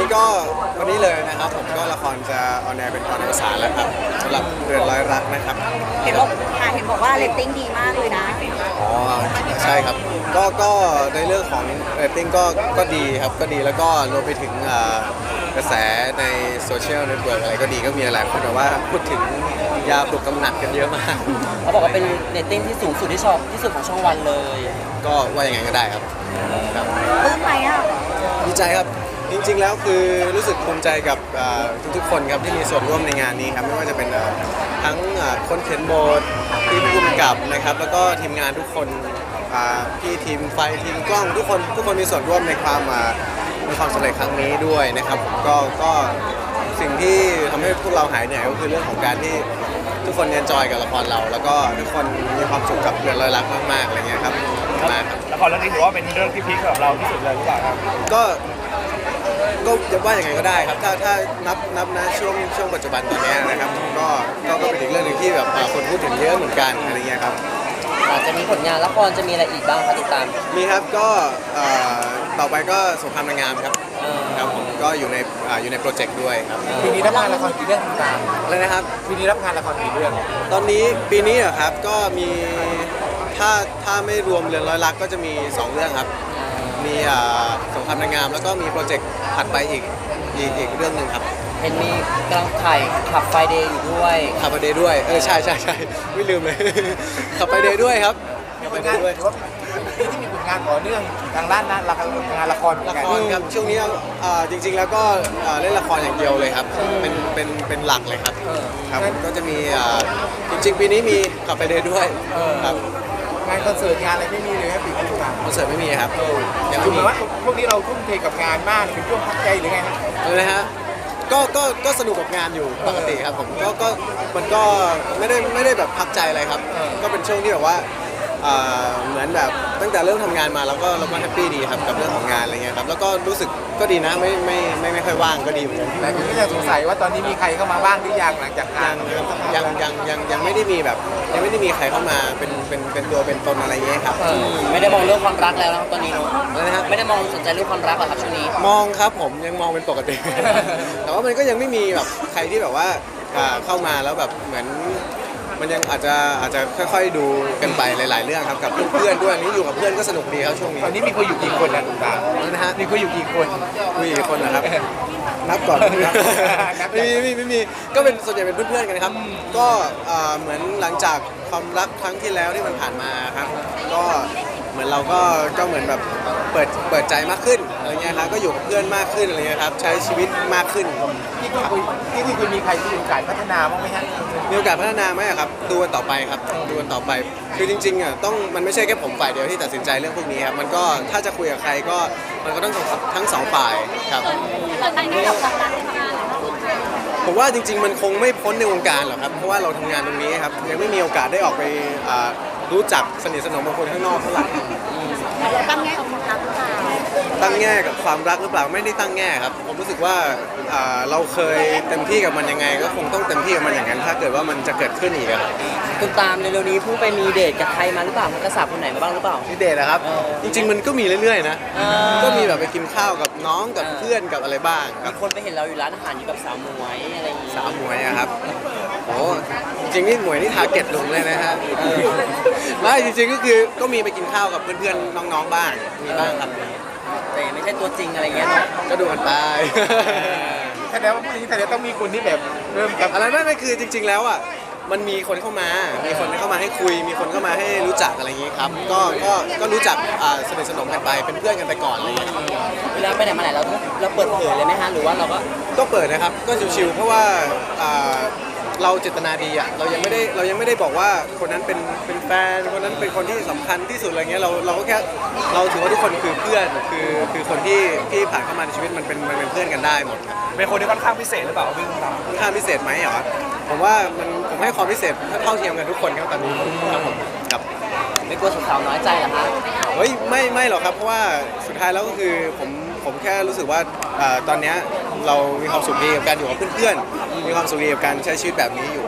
ก็วันนี้เลยนะครับผมก็ละครจะออนแอร์เป็นตอนอวสานแล้วครับสำหรับเรือนร้อยรักนะครับเห็นบอกว่าเรตติ้งดีมากเลยนะอ๋อใช่ครับก็ในเรื่องของเรตติ้งก็ดีครับก็ดีแล้วก็รวมไปถึงกระแสในโซเชียลเน็ตเวิร์กอะไรก็ดีก็มีหลายคนแบบว่าพูดถึงยาปลุกกำหนัดกันเยอะมากเขาบอกว่าเป็นเรตติ้งที่สูงสุดที่ชอบที่สุดของช่องวันเลยก็ว่ายังไงก็ได้ครับปลื้มไหมอ่ะดีใจครับจริงๆแล้วคือรู้สึกภูมิใจกับทุกๆคนครับที่มีส่วนร่วมในงานนี้ครับไม่ว่าจะเป็นทั้งคนเขียนบทที่ผู้กำกับนะครับแล้วก็ทีมงานทุกคนพี่ทีมไฟทีมกล้องทุกคนมีส่วนร่วมในความสำเร็จครั้งนี้ด้วยนะครับผมก็สิ่งที่ทำให้พวกเราหายเหนื่อยก็คือเรื่องของการที่ทุกคนเอนจอยกับละครเราแล้วก็ทุกคนมีความสุขกับเรื่องร้อยรักมากๆอะไรเงี้ยครับมากครับละครเรื่องนี้ถือว่าเป็นเรื่องที่พีคสำหรับเราที่สุดเลยหรือเปล่าครับก็จะว่าอย่างไงก็ได้ครับถ้านับนะช่วงปัจจุบันตอนนี้นะครับก็เป็นอีกเรื่องหนึ่งที่แบบคนพูดถึงเยอะเหมือนกันอะไรเงี้ยครับอาจจะมีผลงานละครจะมีอะไรอีกบ้างคะติดตามมีครับก็ต่อไปก็สงครามนางงามครับครับผมก็อยู่ในโปรเจกต์ด้วยครับปีนี้รับงานละครกี่เรื่องต่างอะไรนะครับปีนี้รับงานละครกี่เรื่องตอนนี้ปีนี้อะครับก็มีถ้าไม่รวมเรือนร้อยรักก็จะมี2เรื่องครับมีสงครามนางงามแล้วก็มีโปรเจกต์ถัดไปอีกเรื่องหนึ่งครับเห็นมีกำลังถ่ายขับไฟเดย์อยู่ด้วยขับไฟเดย์ด้วยใช่ไม่ลืมเลยขับไฟเดย์ด้วยครับขับไฟเดย์ด้วยที่มีผลงานต่อเนื่องทางด้านนั้นงานละครครับช่วงนี้จริงๆแล้วก็เล่นละครอย่างเดียวเลยครับเป็นหลักเลยครับครับก็จะมีจริงๆปีนี้มีขับไฟเดย์ด้วยครับงานคอนเสิร์ตงานอะไรไม่มีเลยครับปีนี้คอนเสิร์ตไม่มีครับยังไม่มีว่าพวกนี้เราทุ่มเทกับงานมากเป็นช่วงพักใจหรือไงฮะนะฮะก็สนุกกับงานอยู่ปกติครับผมก็มันก็ไม่ได้แบบพักใจอะไรครับก็เป็นช่วงที่แบบว่าเหมือนแบบตั้งแต่เริ่มทำงานมาแล้วก็แฮปปี้ดีครับกับเรื่องของงานอะไรเงี้ยครับแล้วก็รู้สึกก็ดีนะไม่ค่อยว่างก็ดีเหมือนกันแต่ผมก็ยังสงสัยว่าตอนนี้มีใครเข้ามาบ้างหรือยังหลังจากงานยังไม่ได้มีแบบยังไม่ได้มีใครเข้ามาเป็นตัวเป็นตนอะไรเงี้ยครับไม่ได้มองเรื่องความรักแล้วนะครับตอนนี้เนาะนะครับไม่ได้มองสนใจเรื่องความรักหรอครับช่วงนี้มองครับผมยังมองเป็นปกติ แต่ว่ามันก็ยังไม่มีแบบใครที่แบบว่าเข้ามาแล้วแบบเหมือนมันยังอาจจะค่อยๆดูกันไปหลายๆเรื่องครับกับเพื่อนๆด้วยนี้อยู่กับเพื่อนก็สนุกดีครับช่วงนี้ตอนนี้มีคุยอยู่กี่คนนะตานะฮะมีคุยอยู่กี่คนกี่คนนะครับนับก่อนไม่มีก็เป็นส่วนใหญ่เป็นเพื่อนๆกันครับก็เหมือนหลังจากความรักครั้งที่แล้วที่มันผ่านมาครับก็เหมือนเราก็เหมือนแบบเปิดใจมากขึ้นอะไรเงี้ยครับก็อยู่กับเพื่อนมากขึ้นอะไรเงี้ยครับใช้ชีวิตมากขึ้นที่คุยมีใครที่มีโอกาสพัฒนาบ้างไหมฮะมีโอกาสพัฒนาไหมครับดูกันต่อไปครับดูกันต่อไปคือจริงๆอ่ะมันไม่ใช่แค่ผมฝ่ายเดียวที่ตัดสินใจเรื่องพวกนี้ครับมันก็ถ้าจะคุยกับใครก็มันก็ต้องทั้งสองฝ่ายครับผมว่าจริงๆมันคงไม่พ้นในวงการหรอกครับเพราะว่าเราทำงานตรงนี้ครับยังไม่มีโอกาสได้ออกไปรู้จักสนิทสนมกับคนข้างนอกเท่าไหร่ตั้งแง่กับความรักหรือเปล่าตั้งแง่กับความรักหรือเปล่าไม่ได้ตั้งแง่ครับผมรู้สึกว่าเราเคยเต็มที่กับมันยังไงก็คงต้องเต็มที่กับมันอย่างนั้นถ้าเกิดว่ามันจะเกิดขึ้นอีกครับคุณตามในเร็วนี้เพิ่งไปมีเดทกับใครมาหรือเปล่ากระสับคนไหนมาบ้างหรือเปล่ามีเดทนะครับจริงๆมันก็มีเรื่อยๆนะก็มีแบบไปกินข้าวกับน้องกับเพื่อนกับอะไรบ้างมีคนไปเห็นเราอยู่ร้านอาหารอยู่กับสาวหมวยอะไรอย่างงี้สาวหมวยอะครับโอ้จริงนี่หมวยนี่ทาร์เก็ตลุงเลยนะฮะไม่จริงๆก็คือก็มีไปกินข้าวกับเพื่อนๆน้องๆบ้างมีบ้างครับแต่ไม่ใช่ตัวจริงอะไรเงี้ยเนาะก็ดูกันไปแสดงว่าพวกนี้แสดงต้องมีคนที่แบบเริ่มกับอะไรไม่คือจริงๆแล้วอ่ะมันมีคนเข้ามาให้คุยมีคนเข้ามาให้รู้จักอะไรอย่างงี้ครับก็รู้จักสนิทสนมกันไปเป็นเพื่อนกันไปก่อนอะไรอย่างเงี้ยเวลาไปไหนมาไหนเราเปิดเผยเลยไหมฮะหรือว่าเราก็เปิดนะครับก็ชิวๆเพราะว่าเราเจตนาดีอ่ะเรายังไม่ได้บอกว่าคนนั้นเป็นแฟนคนนั้นเป็นคนที่สำคัญที่สุดอะไรเงี้ยเราก็แค่เราถือว่าทุกคนคือเพื่อนคือคนที่ผ่านเข้ามาในชีวิตมันเป็นเพื่อนกันได้หมดเป็นคนที่ค่อนข้างพิเศษหรือเปล่าพี่ค่อนข้างพิเศษไหมเหรอผมว่าผมให้ความพิเศษเท่าเทียมกันทุกคนครับตอนนี้ครับผมครับไม่กลัวสาวน้อยใจเหรอคะเฮ้ยไม่หรอกครับเพราะว่าสุดท้ายแล้วก็คือผมแค่รู้สึกว่าตอนนี้เรามีความสุขดีกับการอยู่กับเพื่อนๆมีความสุขดีกับการใช้ชีวิตแบบนี้อยู่